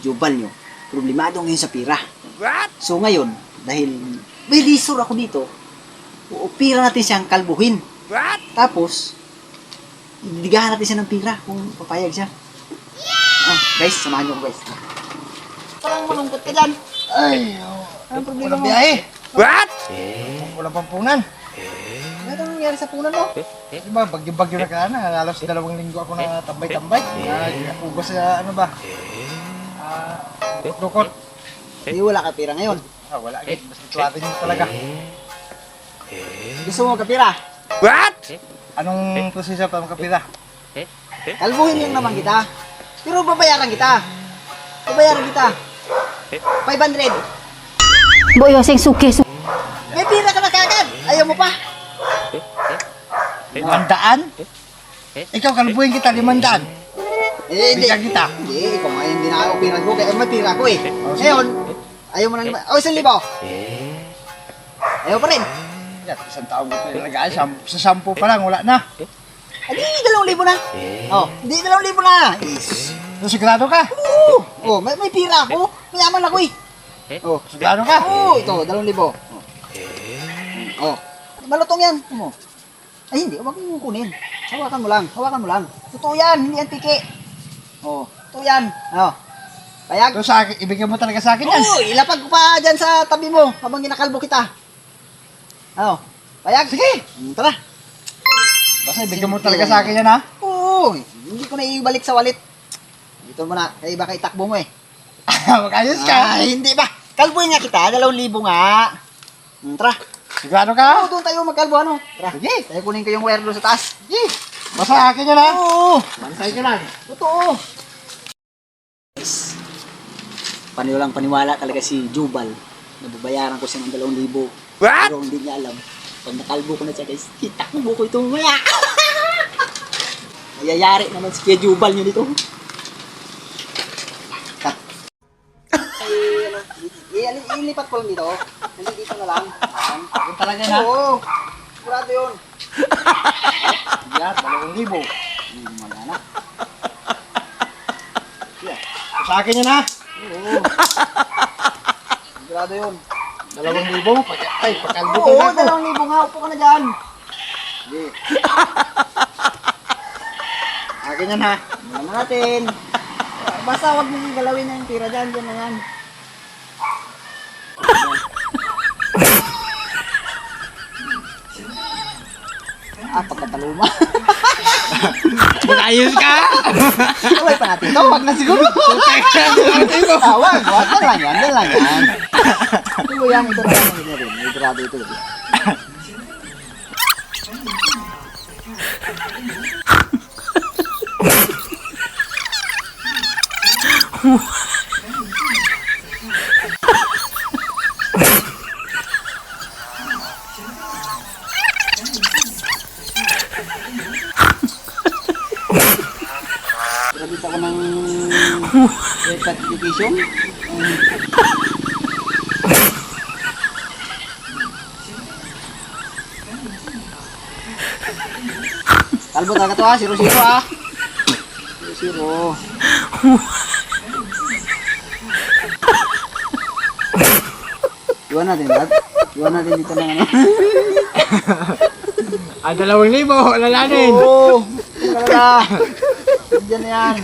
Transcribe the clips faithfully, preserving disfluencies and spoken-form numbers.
Jubal nyo, problemado ngayon sa pira. What? So ngayon, dahil may lisor ako dito, uupira natin siyang kalbuhin. What? Tapos, idigahan natin siya ng pira kung papayag siya. Ah, guys, samahan nyo ko guys. Parang malungkot ka dyan. Ay, oh. Anong problema Walang mo? biyahe. What? Walang pampunan. Ano nangyari sa punan mo? Di ba, bagyo-bagyo na ka na. Halos dalawang linggo ako na tambay-tambay. Nagugos sa ano ba? Ah, dukot. Hindi wala ka pira ngayon. Ah, wala agad. Basta tuwatin mo talaga. Gusto mo kapira? What? Anong proseso pa makapira? Kalbuhin lang naman kita. Pero babayaran kita. Babayaran kita. five hundred. Boy, Yoseng suke, suke. May pira ka na kagad. Ayaw mo pa? Limandaan? Ikaw, kalbuhin kita, limandaan. Eh, hindi. Bigyan kita. Hindi, ikaw nga yung dinaka-opera ko. Kaya may pira ko eh. Ngayon, ayaw mo na naman. Oh, isang libo. Ayaw pa rin. Yan, isang taong ko pinalagaan. Sam- Sa sampu pa lang, wala na. Hindi, dalawang libo na. Oh, hindi, dalawang libo na. Yes. So, sigurado ka? Oo. Oh, may, may pira ako. Mayaman ako eh. Oh, sigurado ka? Oo, ito, dalawang libo. Oh. Oh. Malutong yan. Ano? Ay, hindi. Huwag mong kunin. Hawakan mo lang. Hawakan mo lang. Totoo yan. Hindi yan tiki. Oh. Totoo yan. Ano? Payag? So, sa akin, ibigay mo talaga sa akin yan. Oo, ilapag ko pa dyan sa tabi mo habang ginakalbo kita. Ano? Payag? Sige. Hmm, tara. Basta ibigay mo talaga sa akin yan, ha? Oo. Hindi ko na ibalik sa wallet. Dito mo na. Kaya baka itakbo mo eh. Mag-ayos ka. Ay, hindi ba? Kalbuhin nga kita. Dalawang libo nga. Hmm, tara. Sigurado Oo, ka? doon tayo magkalbo ano. Tara. Sige. Tayo kunin ko yung wire doon sa taas. Sige. Basta akin yan, ha? Oo. Mansay ka lang. Totoo. Paniwalang paniwala talaga si Jubal. Nababayaran ko siya ng dalawang libo. What? Pero hindi niya alam. Pag nakalbo ko na siya guys, itakbo ko ito maya. Mayayari naman si Kuya Jubal nyo dito. Cut. Ay, ano, i- i- ilipat ko lang dito. Hindi dito na lang. Ayan. Yun talaga yan, ha? Oo. Sigurado yun. Yan, dalawang libo. Hmm, wala na. Yeah. Sa akin yan, ha? Oo. Sigurado yun. Dalawang libo. Pag- Ay, pagkalbo Oo, ka na ako. dalawang libo nga. Upo ka na dyan. Sige. Akin yan, ha? Tingnan natin. Basta huwag mong galawin na yung tira dyan. Dyan na yan. Ah, pagkataluma. Mag-ayos ka? Kaway pa natin ito. Huwag na siguro. Ah, wag. Wag. Yan lang yan. Yan lang yan. Ito yan. Ito na lang. Ito rin. May grado ito. Grabe ako ng haircut education. Kalbo talaga to ha, zero-zero ha. Zero-zero. Iwan natin, Brad. Iwan natin dito ng ano. Ah, dalawang libo. Lalanin. Oo! Talaga! Diyan na yan.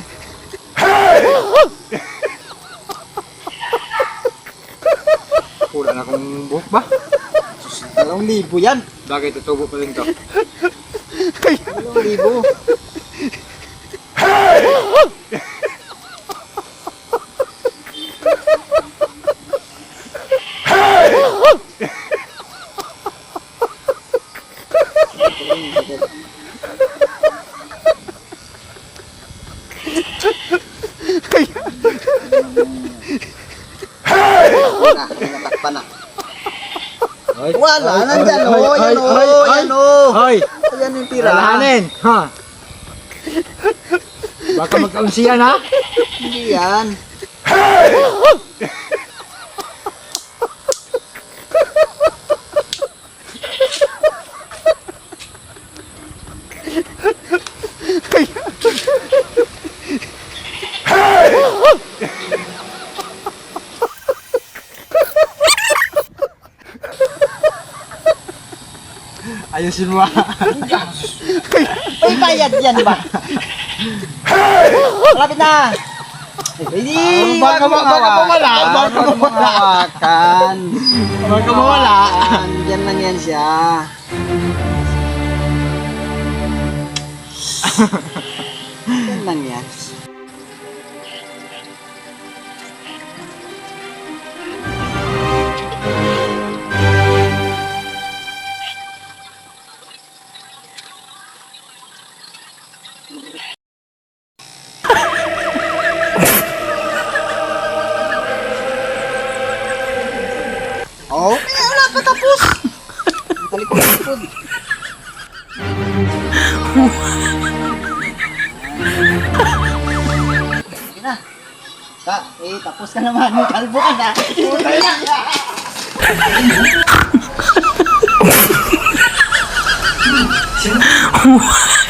Wala na akong buhok ba? Dalawang libo yan. Bagay, tutubo pa rin to. Dalawang libo. Na, natakpan na. Wala, nandyan o, yan o, yan o. Hoy! Ayan yung tira. Lalanin! Ha? Baka magkaunsiyan, ha? Hindi yan. Ayusin mo. May bayad yan, di ba? Malapit na! Hindi! Baka wag mong baka mawala, hawakan, baka wag mong mawala. hawakan. Baka mawala. Hawakan, Diyan lang yan siya. Diyan lang yan. Oh, eh, wala pa tapos. Talikod-likod. Sige na. Ka, eh, tapos ka naman. Kalbo ka na. Putay na.